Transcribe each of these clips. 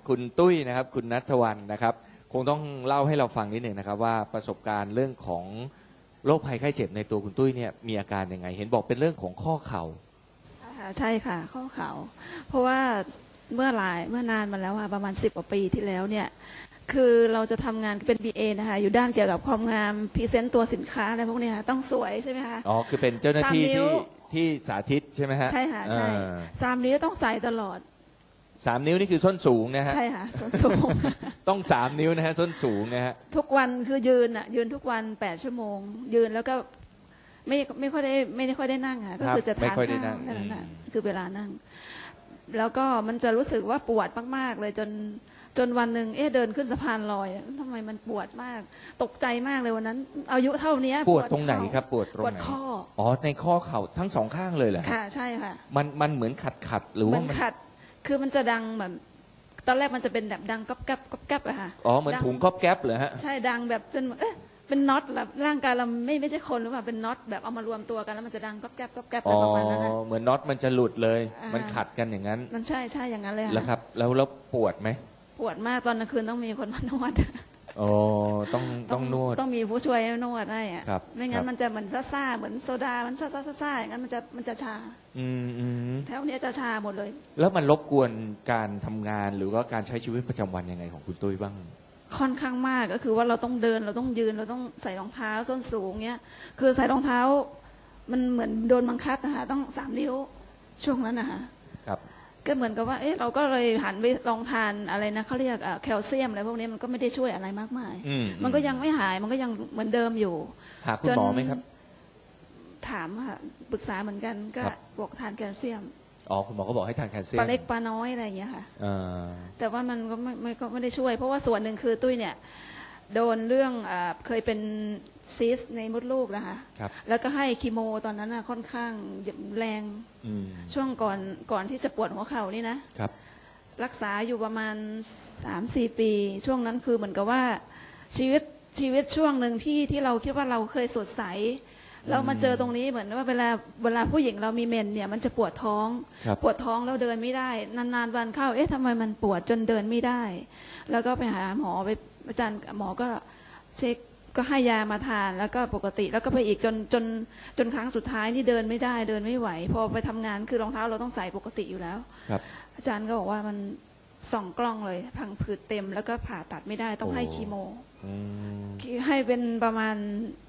คุณตุ้ยนะครับคุณณัฐวรรณนะครับคงต้องเล่าให้เราฟังนิดหนึ่งนะครับว่าประสบการณ์เรื่องของโรคภัยไข้เจ็บในตัวคุณตุ้ยเนี่ยมีอาการยังไงเห็นบอกเป็นเรื่องของข้อเข่าใช่ค่ะข้อเข่าเพราะว่าเมื่อนานมาแล้วค่ะประมาณ10 กว่าปีที่แล้วเนี่ยคือเราจะทำงานเป็น BA นะคะอยู่ด้านเกี่ยวกับความงามพรีเซนต์ตัวสินค้าอะไรพวกนี้ค่ะต้องสวยใช่ไหมคะอ๋อคือเป็นเจ้าหน้าที่ที่สาธิตใช่ไหมฮะใช่ค่ะใช่3 นิ้วต้องใส่ตลอด 3 นิ้วนี่คือส้นสูงนะฮะใช่ค่ะส้นสูงต้อง3 นิ้วนะฮะส้นสูงนะฮะทุกวันคือยืนทุกวัน8 ชั่วโมงยืนแล้วก็ไม่ค่อยได้นั่งค่ะก็คือจะทานข้าวนั่นแหละคือเวลานั่งแล้วก็มันจะรู้สึกว่าปวดมากๆเลยจนวันหนึ่งเดินขึ้นสะพานลอยทำไมมันปวดมากตกใจมากเลยวันนั้นอายุเท่านี้ปวดตรงไหนครับปวดตรงไหนปวดข้ออ๋อในข้อเข่าทั้งสองข้างเลยเหรอค่ะใช่ค่ะมันเหมือนขัดหรือว่ามันขัดคือมันจะดังแบบตอนแรกมันจะเป็นแบบดังก๊อบแก๊บก๊อบแก๊บอะค่ะอ๋อเหมือนถุงก๊อบแก๊บเหรอฮะใช่ดังแบบจนเป็นน็อตแบบร่างกายเราไม่ใช่คนหรือเปล่าเป็นน็อตแบบเอามารวมตัวกันแล้วมันจะดังก๊อบแก๊บก๊อบแก๊บอะไรประมาณนั้นเหมือนน็อตมันจะหลุดเลยมันขัดกันอย่างนั้นมันใช่อย่างนั้นเลยค่ะแล้วครับแล้วปวดไหมปวดมากตอนกลางคืนต้องมีคนมานวดอ๋อต้องนวดต้องมีผู้ช่วยนวดให้อ่ะครับไม่งั้นมันจะเหมือนซ่าเหมือนโซดามันซ่าอย่างนั้นมันจะชาแถวนี้จะชาหมดเลยแล้วมันรบกวนการทำงานหรือว่าการใช้ชีวิตประจำวันยังไงของคุณตุ้ยบ้างค่อนข้างมากก็คือว่าเราต้องเดินเราต้องยืนเราต้องใส่รองเท้าส้นสูงเนี้ยคือใส่รองเท้ามันเหมือนโดนบังคับนะคะต้อง3 นิ้วช่วงนั้นนะคะครับก็เหมือนกับว่าเราก็เลยหันไปลองทานอะไรนะเขาเรียกแคลเซียมอะไรพวกนี้มันก็ไม่ได้ช่วยอะไรมากมายมันก็ยังไม่หายมันก็ยังเหมือนเดิมอยู่หาคุณหมอไหมครับถามค่ะปรึกษาเหมือนกันก็บอกทานแคลเซียมอ๋อคุณหมอก็บอกให้ทานแคลเซียมปลาเล็กปลาน้อยอะไรอย่างเงี้ยค่ะแต่ว่ามันก็ไม่ได้ช่วยเพราะว่าส่วนหนึ่งคือตุ้ยเนี่ยโดนเรื่องเคยเป็นซีสในมดลูกนะคะแล้วก็ให้คีโมตอนนั้นค่อนข้างแรงช่วงก่อนที่จะปวดหัวเข่านี่นะรักษาอยู่ประมาณ 3-4 ปีช่วงนั้นคือเหมือนกับว่าชีวิตช่วงหนึ่งที่เราคิดว่าเราเคยสดใสเรามาเจอตรงนี้เหมือนว่าเวลาผู้หญิงเรามีเมนเนี่ยมันจะปวดท้องแล้วเดินไม่ได้นานๆวันเข้าทำไมมันปวดจนเดินไม่ได้แล้วก็ไปหาหมอไปอาจารย์หมอก็เช็คก็ให้ยามาทานแล้วก็ปกติแล้วก็ไปอีกจนครั้งสุดท้ายนี่เดินไม่ได้เดินไม่ไหวพอไปทำงานคือรองเท้าเราต้องใส่ปกติอยู่แล้วอาจารย์ก็บอกว่ามันส่องกล้องเลยพังผืดเต็มแล้วก็ผ่าตัดไม่ได้ต้องให้คีโมให้เป็นประมาณ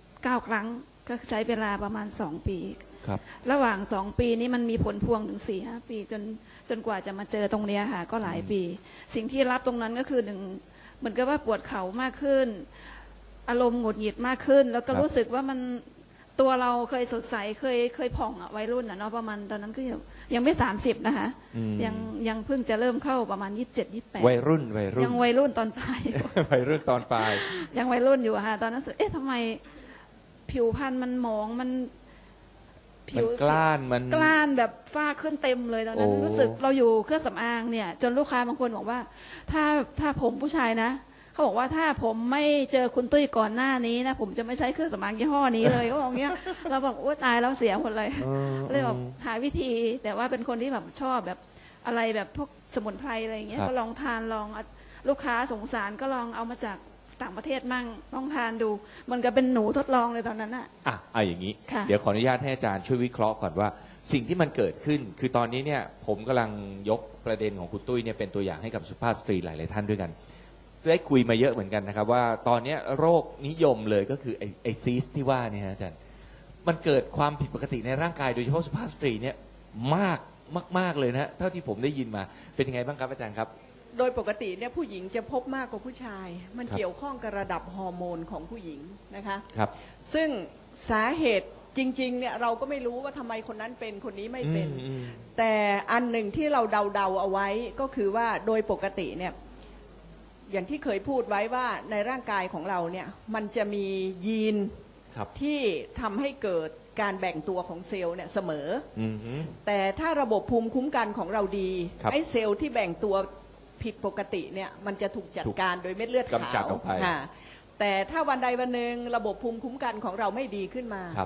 9 ครั้งก็ใช้เวลาประมาณ2 ปีระหว่าง2 ปีนี้มันมีผลพวงถึง4-5 ปีจนกว่าจะมาเจอตรงนี้ค่ะก็หลายปีสิ่งที่รับตรงนั้นก็คือ1เหมือนกับว่าปวดเข่ามากขึ้นอารมณ์หงุดหงิดมากขึ้นแล้วก็รู้สึกว่ามันตัวเราเคยสดใสเคยผ่องวัยรุ่นเนาะประมาณตอนนั้นก็ยังไม่30นะคะยังเพิ่งจะเริ่มเข้าประมาณ27-28 วัยรุ่นยังวัยรุ่นตอนปลายวัยรุ่นตอนปลายยังวัยรุ่นอยู่ค่ะตอนนั้นทำไมผิวพรรณมันหมองมันผิวกล้านแบบฝ้าขึ้นเต็มเลยตอนนั้นรู้สึกเราอยู่เครื่องสำอางเนี่ยจนลูกค้าบางคนบอกว่าถ้าผมผู้ชายนะเขาบอกว่าถ้าผมไม่เจอคุณตุ้ยก่อนหน้านี้นะผมจะไม่ใช้เครื่องสำอางยี่ห้อนี้เลยเขาบอกเงี้ยเราบอกโอ้ตายแล้วเสียหมดเลยเลยบอกหาวิธีแต่ว่าเป็นคนที่แบบชอบแบบอะไรแบบพวกสมุนไพรอะไรอย่างเงี้ยก็ลองทานลองลูกค้าสงสารก็ลองเอามาจากต่างประเทศมั่งลองทานดูมันก็เป็นหนูทดลองเลยตอนนั้นเอาอย่างนี้เดี๋ยวขออนุญาตให้อาจารย์ช่วยวิเคราะห์ก่อนว่าสิ่งที่มันเกิดขึ้นคือตอนนี้เนี่ยผมกำลังยกประเด็นของคุณตุ้ยเนี่ยเป็นตัวอย่างให้กับสุภาพสตรีหลายๆท่านด้วยกันได้คุยมาเยอะเหมือนกันนะครับว่าตอนนี้โรคนิยมเลยก็คือไอซีสที่ว่านี่ฮะอาจารย์มันเกิดความผิดปกติในร่างกายโดยเฉพาะสุภาพสตรีเนี่ยมากเลยนะเท่าที่ผมได้ยินมาเป็นยังไงบ้างครับอาจารย์ครับโดยปกติเนี่ยผู้หญิงจะพบมากกว่าผู้ชายมันเกี่ยวข้องกับระดับฮอร์โมนของผู้หญิงนะคะครับซึ่งสาเหตุจริงๆเนี่ยเราก็ไม่รู้ว่าทำไมคนนั้นเป็นคนนี้ไม่เป็นแต่อันหนึ่งที่เราเดาเอาไว้ก็คือว่าโดยปกติเนี่ยอย่างที่เคยพูดไว้ว่าในร่างกายของเราเนี่ยมันจะมียีนที่ทำให้เกิดการแบ่งตัวของเซลล์เนี่ยเสมอแต่ถ้าระบบภูมิคุ้มกันของเราดีไอ้เซลล์ที่แบ่งตัวผิดปกติเนี่ยมันจะถูกจัดการโดยเม็ดเลือดขาวแต่ถ้าวันใดวันหนึ่งระบบภูมิคุ้มกันของเราไม่ดีขึ้นมา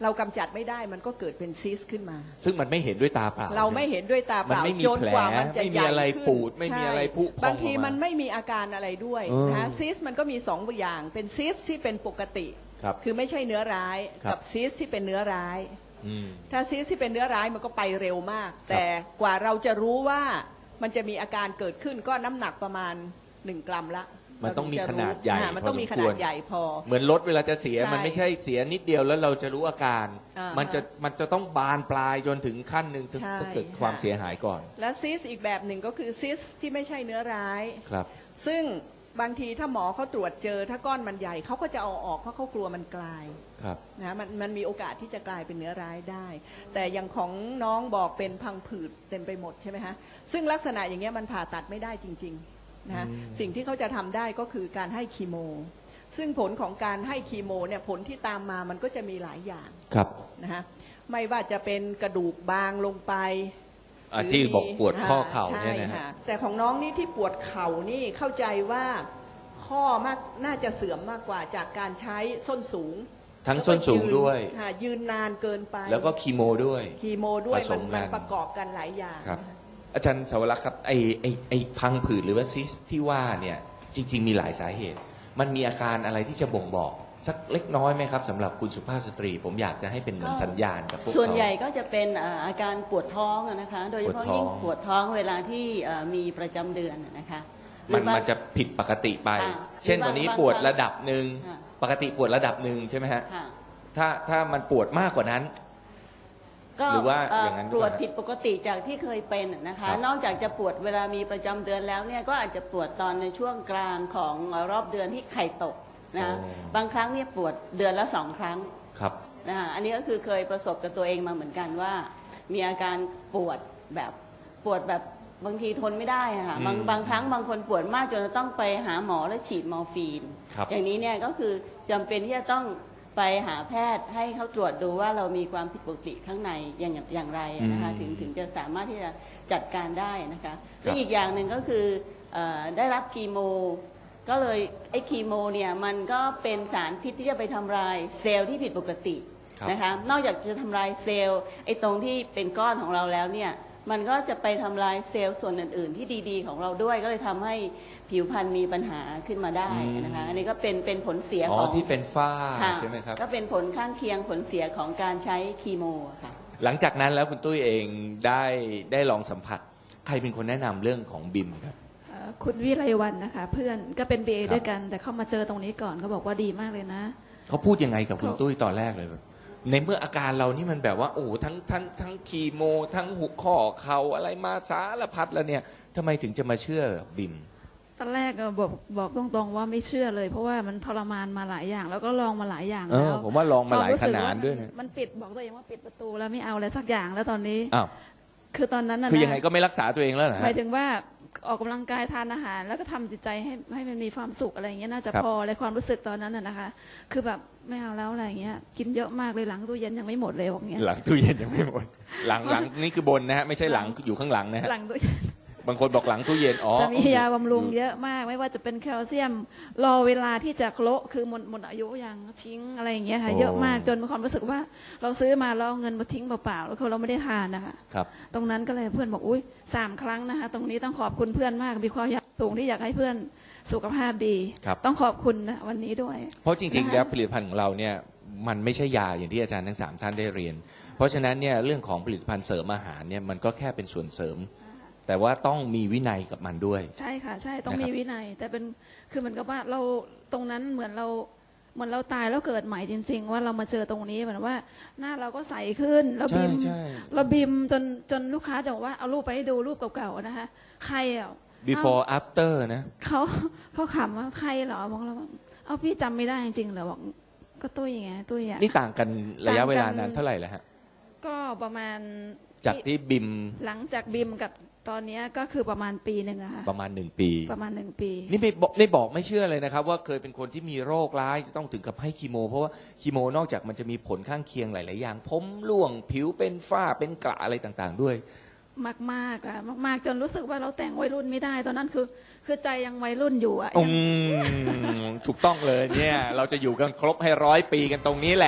เรากำจัดไม่ได้มันก็เกิดเป็นซิสขึ้นมาซึ่งมันไม่เห็นด้วยตาเปล่าเราไม่เห็นด้วยตาเปล่าจนกว่ามันจะใหญ่ขึ้นไม่มีอะไรปูดไม่มีอะไรพุพองบางทีมันไม่มีอาการอะไรด้วยนะซิสมันก็มี2อย่างเป็นซิสที่เป็นปกติคือไม่ใช่เนื้อร้ายกับซิสที่เป็นเนื้อร้ายถ้าซิสที่เป็นเนื้อร้ายมันก็ไปเร็วมากแต่กว่าเราจะรู้ว่ามันจะมีอาการเกิดขึ้นก็น้ำหนักประมาณ1 กรัมละมันต้องมีขนาดใหญ่มันต้องมีขนาดใหญ่พอเหมือนรถเวลาจะเสียมันไม่ใช่เสียนิดเดียวแล้วเราจะรู้อาการมันจะต้องบานปลายจนถึงขั้นหนึ่งถึงจะเกิดความเสียหายก่อนและซิสอีกแบบหนึ่งก็คือซิสที่ไม่ใช่เนื้อร้ายครับซึ่งบางทีถ้าหมอเขาตรวจเจอถ้าก้อนมันใหญ่เขาก็จะเอาออกเพราะเขากลัวมันกลายนะมันมีโอกาสที่จะกลายเป็นเนื้อร้ายได้แต่อย่างของน้องบอกเป็นพังผืดเต็มไปหมดใช่ไหมฮะซึ่งลักษณะอย่างเงี้ยมันผ่าตัดไม่ได้จริงๆนะสิ่งที่เขาจะทำได้ก็คือการให้คีโมซึ่งผลของการให้คีโมเนี่ยผลที่ตามมามันก็จะมีหลายอย่างนะฮะไม่ว่าจะเป็นกระดูกบางลงไปที่บอกปวดข้อเข่าเนี่ยนะฮะแต่ของน้องนี่ที่ปวดเข่านี่เข้าใจว่าข้อมากน่าจะเสื่อมมากกว่าจากการใช้ส้นสูงทั้งส้นสูงด้วยยืนนานเกินไปแล้วก็คีโมด้วยมันประกอบกันหลายอย่างครับอาจารย์สวรักษ์ครับไอพังผืดหรือว่าซิสที่ว่าเนี่ยจริงๆมีหลายสาเหตุมันมีอาการอะไรที่จะบ่งบอกสักเล็กน้อยไหมครับสำหรับคุณสุภาพสตรีผมอยากจะให้เป็นเหมือนสัญญาณกับพวกเขาส่วนใหญ่ก็จะเป็นอาการปวดท้องนะคะโดยเฉพาะยิ่งปวดท้องเวลาที่มีประจำเดือนนะคะมันจะผิดปกติไปเช่นวันนี้ปวดระดับหนึ่งปกติปวดระดับหนึ่งใช่ไหมฮะถ้ามันปวดมากกว่านั้นหรือว่าอย่างนั้นปวดผิดปกติจากที่เคยเป็นนะคะนอกจากจะปวดเวลามีประจำเดือนแล้วเนี่ยก็อาจจะปวดตอนในช่วงกลางของรอบเดือนที่ไข่ตกนะบางครั้งเนี่ยปวดเดือนละ2 ครั้งนะอันนี้ก็คือเคยประสบกับตัวเองมาเหมือนกันว่ามีอาการปวดแบบบางทีทนไม่ได้ค่ะบางครั้งบางคนปวดมากจนต้องไปหาหมอแล้วฉีดมอร์ฟีนอย่างนี้เนี่ยก็คือจำเป็นที่จะต้องไปหาแพทย์ให้เขาตรวจดูว่าเรามีความผิดปกติข้างในอย่างไรนะคะถึงจะสามารถที่จะจัดการได้นะคะและอีกอย่างหนึ่งก็คือได้รับคีโมก็เลยไอ้คีโมเนี่ยมันก็เป็นสารพิษที่จะไปทำลายเซลล์ที่ผิดปกตินะคะนอกจากจะทำลายเซลล์ไอ้ตรงที่เป็นก้อนของเราแล้วเนี่ยมันก็จะไปทำลายเซลล์ส่วนอื่นๆที่ดีๆของเราด้วยก็เลยทำให้ผิวพรรณมีปัญหาขึ้นมาได้นะคะอันนี้ก็เป็นผลเสียของที่เป็นฝ้าใช่ไหมครับก็เป็นผลข้างเคียงผลเสียของการใช้คีโมค่ะหลังจากนั้นแล้วคุณตุ้ยเองได้ลองสัมผัสใครเป็นคนแนะนำเรื่องของบิมครับคุณวิไลวรรณนะคะเพื่อนก็เป็น BA ด้วยกันแต่เข้ามาเจอตรงนี้ก่อนเขาบอกว่าดีมากเลยนะเขาพูดยังไงกับคุณตุ้ยตอนแรกเลยในเมื่ออาการเรานี่มันแบบว่าโอ้ทั้งคีโมทั้งหุกข้อเข่าอะไรมาสารพัดแล้วเนี่ยทำไมถึงจะมาเชื่อบิมตอนแรกบอกตรงๆว่าไม่เชื่อเลยเพราะว่ามันทรมานมาหลายอย่างแล้วก็ลองมาหลายอย่างแล้วผมว่าลองมาหลายขนาดด้วยนะมันปิดบอกตัวเองว่าปิดประตูแล้วไม่เอาอะไรสักอย่างแล้วตอนนี้คือตอนนั้นคือยังไงก็ไม่รักษาตัวเองแล้วเหรอหมายถึงว่าออกกำลังกายทานอาหารแล้วก็ทำจิตใจให้มันมีความสุขอะไรอย่างเงี้ยน่าจะพอในความรู้สึกตอนนั้นนะคะคือแบบไม่เอาแล้วอะไรอย่างเงี้ยกินเยอะมากเลยหลังตู้เย็นยังไม่หมดเลยอย่างเงี้ยหลังตู้เย็นยังไม่หมดหลังนี่คือบนนะฮะไม่ใช่หลังอยู่ข้างหลังนะฮะหลังตู้เย็นบางคนบอกหลังตู้เย็นจะมียาบำรุงเยอะมากไม่ว่าจะเป็นแคลเซียมรอเวลาที่จะโคละคือหมดอายุยังทิ้งอะไรอย่างเงี้ยค่ะเยอะมากจนมีความรู้สึกว่าเราซื้อมาแล้วเอาเงินมาทิ้งเปล่าๆแล้วเราไม่ได้ทานนะคะตรงนั้นก็เลยเพื่อนบอกอุ้ย3 ครั้งนะคะตรงนี้ต้องขอบคุณเพื่อนมากมีความอยากสูงที่อยากให้เพื่อนสุขภาพดีต้องขอบคุณนะวันนี้ด้วยเพราะจริงๆแล้วผลิตภัณฑ์ของเราเนี่ยมันไม่ใช่ยาอย่างที่อาจารย์ทั้ง3ท่านได้เรียนเพราะฉะนั้นเนี่ยเรื่องของผลิตภัณฑ์เสริมอาหารเนี่ยมันก็แค่เป็นส่วนเสริมแต่ว่าต้องมีวินัยกับมันด้วยใช่ค่ะใช่ต้องมีวินัยแต่เป็นคือเหมือนกับว่าเราตรงนั้นเหมือนเราตายแล้วเกิดใหม่จริงๆว่าเรามาเจอตรงนี้เหมือนว่าหน้าเราก็ใสขึ้นเราบิมจนลูกค้าจะบอกว่าเอารูปไปให้ดูรูปเก่าๆนะคะใครอ่ะ before after นะเขาขำว่าใครเหรอบอกเราเอาพี่จำไม่ได้จริงๆเหรอบอกก็ตุ้ยไงตุ้ยอ่ะนี่ต่างกันระยะเวลานานเท่าไหร่แล้วฮะก็ประมาณจากที่บิมหลังจากบิมกับตอนนี้ก็คือประมาณปีนึงอะค่ะประมาณ1 ปีประมาณ1 ปีนี่ไม่บอกไม่เชื่อเลยนะครับว่าเคยเป็นคนที่มีโรคร้ายจะต้องถึงกับให้คีโมเพราะว่าคีโมนอกจากมันจะมีผลข้างเคียงหลายๆอย่างผมร่วงผิวเป็นฝ้าเป็นกระอะไรต่างๆด้วยมากๆอะมากๆจนรู้สึกว่าเราแต่งวัยรุ่นไม่ได้ตอนนั้นคือใจยังวัยรุ่นอยู่อะถูกต้องเลยเนี่ยเราจะอยู่กันครบให้100 ปีกันตรงนี้แหละ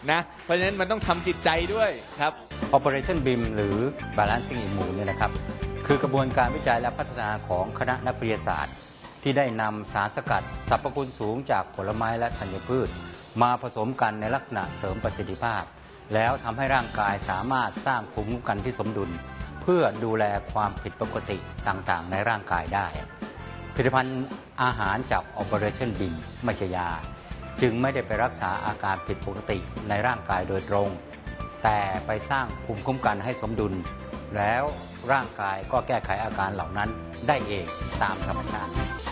นะเพราะฉะนั้นมันต้องทำจิตใจด้วยครับ Operation BIM หรือ Balancing Immune เนี่ยนะครับคือกระบวนการวิจัยและพัฒนาของคณะนักวิทยาศาสตร์ ที่ได้นำสารสกัดสรรพคุณสูงจากผลไม้และธัญพืช มาผสมกันในลักษณะเสริมประสิทธิภาพ แล้วทำให้ร่างกายสามารถสร้างภูมิคุ้มกันที่สมดุล เพื่อดูแลความผิดปกติต่างๆในร่างกายได้ผลิตภัณฑ์อาหารจาก Operation BIM ไม่ใช่ยาจึงไม่ได้ไปรักษาอาการผิดปกติในร่างกายโดยตรงแต่ไปสร้างภูมิคุ้มกันให้สมดุลแล้วร่างกายก็แก้ไขอาการเหล่านั้นได้เองตามธรรมชาติ